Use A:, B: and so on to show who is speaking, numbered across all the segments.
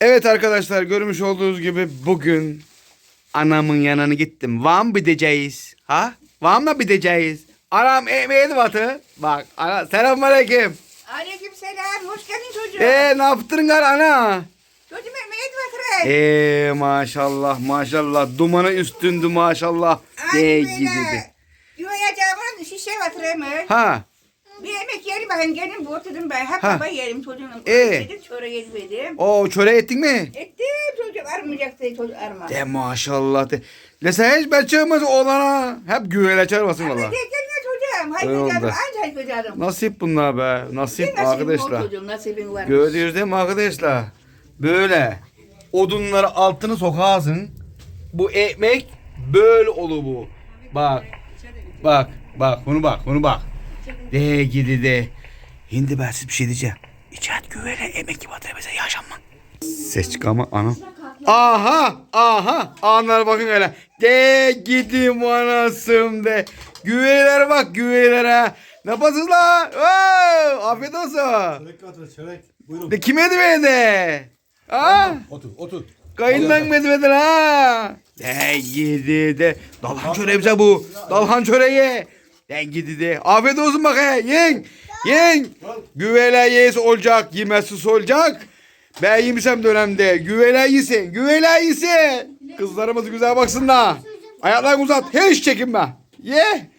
A: Evet arkadaşlar, görmüş olduğunuz gibi bugün anamın yanına gittim. Van gideceğiz. Ha? Van'la gideceğiz. Anam emeğini batı. Bak ana, selamünaleyküm.
B: Aleykümselam. Hoş geldin çocuğum.
A: Ne yaptın gar ana?
B: Çocuğum emeğe batırayım.
A: Maşallah maşallah. Dumanı üstündü maşallah. Gidi.
B: Yuvayacağımın şişe batırayım.
A: Ha.
B: Bir yemek yiyelim bakayım. Gelin bu oturdum ben. Hep
A: Ha.
B: baba yiyelim çocuğum. Yedim, çorba yedim.
A: O çöre ettin mi?
B: Ettim çocuğum. Armayacaktı çocuk arma.
A: De maşallah de. Le sen hiç ben çıkmaz oğlana. Hep güvele çağırmasın
B: Ama
A: valla.
B: gelme çocuğum.
A: Öyle oldu.
B: Haydi canım. Anca haydi canım.
A: Nasip bunlar be. Nasip arkadaşlar.
B: Çocuğum nasibin var.
A: Gördünüz değil mi arkadaşlar? Böyle odunları altını sokarsın. Bu ekmek böyle olur bu. Bak. Bak. Bunu bak. De gidi de. Şimdi ben size bir şey diyeceğim. İçeride güvele emek gibi atıyor bize yaşanma. Ses çıkarma anam. Aha. Anlar bakın öyle. De gidim anasım de. Güvelere bak güvelere. Ne yapasınız la? Oo, afiyet olsun.
C: Çörek katır, çörek. Buyurun.
A: De kime de? Ha?
C: Otur.
A: Kayından medveden ha. De gidi de. Dalhan çöreği bize bu. Dalhan çöreği. De gidi de. Afiyet olsun bak he. Yen. Güvele yes olacak. Yemezsiz olacak. Ben yemişsem dönemde. Güvele yesin. Kızlarımız güzel baksınlar. Ayaklarını uzat. Hiç çekinme. Ye.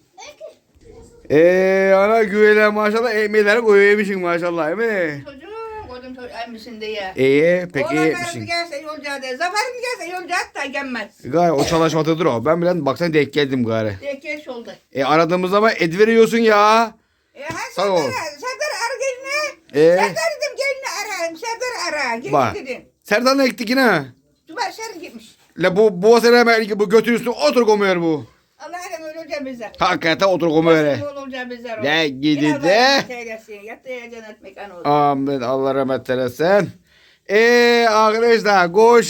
A: Ana güvele maşallah ekmeğleri koyuyormuşsun maşallah değil mi?
B: Çocuğum koydum çocuğum emmisin diye.
A: Peki
B: Oğlanlarım
A: etmişsin.
B: gelse yolcağı de. Zaferim gelse yolcağı da gelmez.
A: Gari o çalışmadıdır o. Ben bile baksana denk geldim gari.
B: Geç oldu.
A: Aradığımız zaman et veriyorsun ya. Sağ ol.
B: Serdar ara geline.
A: Ee?
B: Serdar dedim geline arayayım. Serdar ara. Gelin
A: Bak.
B: dedim.
A: Serdan'la ektik yine.
B: Duvar Serdar gitmiş.
A: La bu sene hemen bu götür üstüne otur komuyor bu.
B: Allah'ım öyle olacak bizler.
A: Hakikaten otur komuyor.
B: Öyle olacak bizler.
A: Ne gidi de.
B: Yattı ya cennet mekanı oldu.
A: Amin Allah rahmet eylesin. Arkadaşlar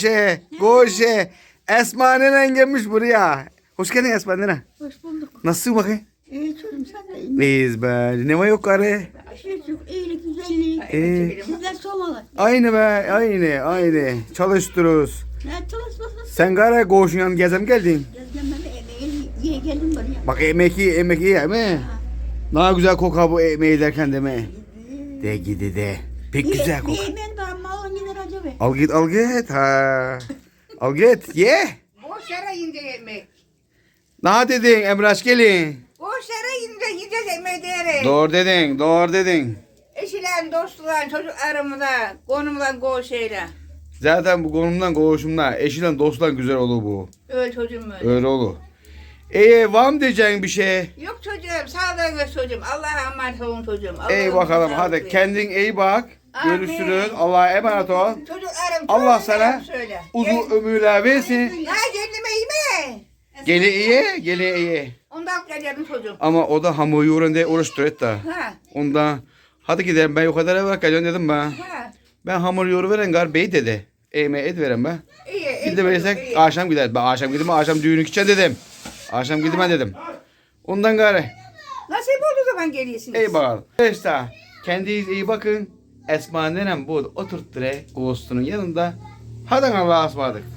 A: Goşe. Esma nenen gelmiş buraya. Hoş geldin Esma nene.
B: Hoş bulduk.
A: Nasılsın bakayım?
B: İyi çocuğum sen de iyi.
A: İyiyiz be. Ne var yok gari?
B: Çocuk iyilik güzellik. Sizler somalı.
A: Aynı be aynı. Çalıştırıyoruz.
B: Ne çalışmasın?
A: Sen gari Goş'un yanına gezem geldin.
B: Gezmeme yiye geldim buraya.
A: Bak yemek iyi değil mi? Ne güzel kokar bu ekmeği derken değil mi? De gidi de. Pek güzel kokar.
B: Yemeğin ben malın gider acaba.
A: Al git ha. Al git ye.
B: Boş yere yiyince yemek.
A: Ne dedin Emraş gelin.
B: Boş yere yiyince yiyeceğiz yemeği diyerek.
A: Doğru dedin.
B: Eşilen, dostlar, çocuk aramızda, konumdan şeyle.
A: Zaten bu konumdan koğuşumdan eşiyle dosttan güzel olur bu.
B: Öyle çocuğum öyle.
A: Öyle olur. Var mı diyeceğin bir şey?
B: Yok çocuğum, sağlığın ve çocuğum. Allah'a emanet olun çocuğum.
A: İyi bakalım hadi kendin iyi bak.
B: Amin.
A: Görüşürüz. Allah'a emanet ol.
B: Çocuk aram.
A: Allah
B: çocuk
A: sana
B: aram söyle.
A: uzun ömürler versin.
B: Ha kendime iyi mi?
A: Geli iyi.
B: Ondan geleceğim çocuğum.
A: Ama o da hamur yoğurun diye uğraştır et de.
B: Ha.
A: Ondan hadi gidelim ben yukarıda evvel geleceğim dedim ben.
B: Ha.
A: Ben hamur yoğuru veren gar bey dedi. Et veren ben.
B: İyi.
A: Bir de verirsek akşam gider. Ben akşam gideyim akşam düğünü gideceğim dedim. Akşam gideyim dedim. Ondan gari.
B: Nasip olduğu zaman geliyorsunuz.
A: İyi bakalım. İşte kendinize iyi bakın. Esma nenem bu oturttu Ghost'unun yanında. Hadi Allah'a ısmarladık.